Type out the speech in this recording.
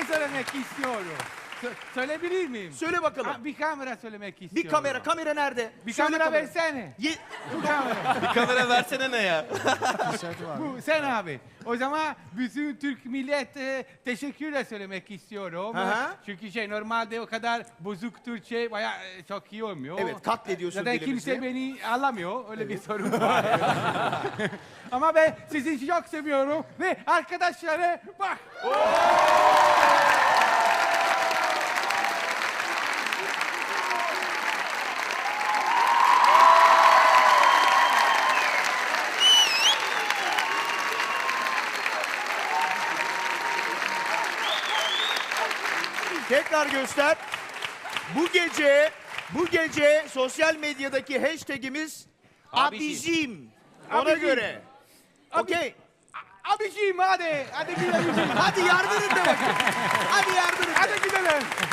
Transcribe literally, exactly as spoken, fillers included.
şey söylemek istiyorum. Sö söyleyebilir miyim? Söyle bakalım. Ha, bir kamera söylemek istiyorum. Bir kamera, kamera nerede? Bir Söyle kamera kamera. versene. Ye- Bu kamera. Bir kamera versene ne ya? Bu sen abi. O zaman bütün Türk millet e, teşekkürle söylemek istiyorum. Hı hı. Çünkü şey normalde o kadar bozuk Türkçe bayağı e, çok iyi olmuyor. Evet, katlediyorsun Zaten dilimizi. kimse beni anlamıyor. Öyle bir sorun var. Ama ben sizi çok seviyorum ve arkadaşlara bak. Tekrar göster. Bu gece, bu gece sosyal medyadaki hashtagimiz Abicim. abicim. Ona Abicim. göre. Okey. Abiciğim hadi. Hadi bir abiciğim. Hadi yardım et de bakayım. Hadi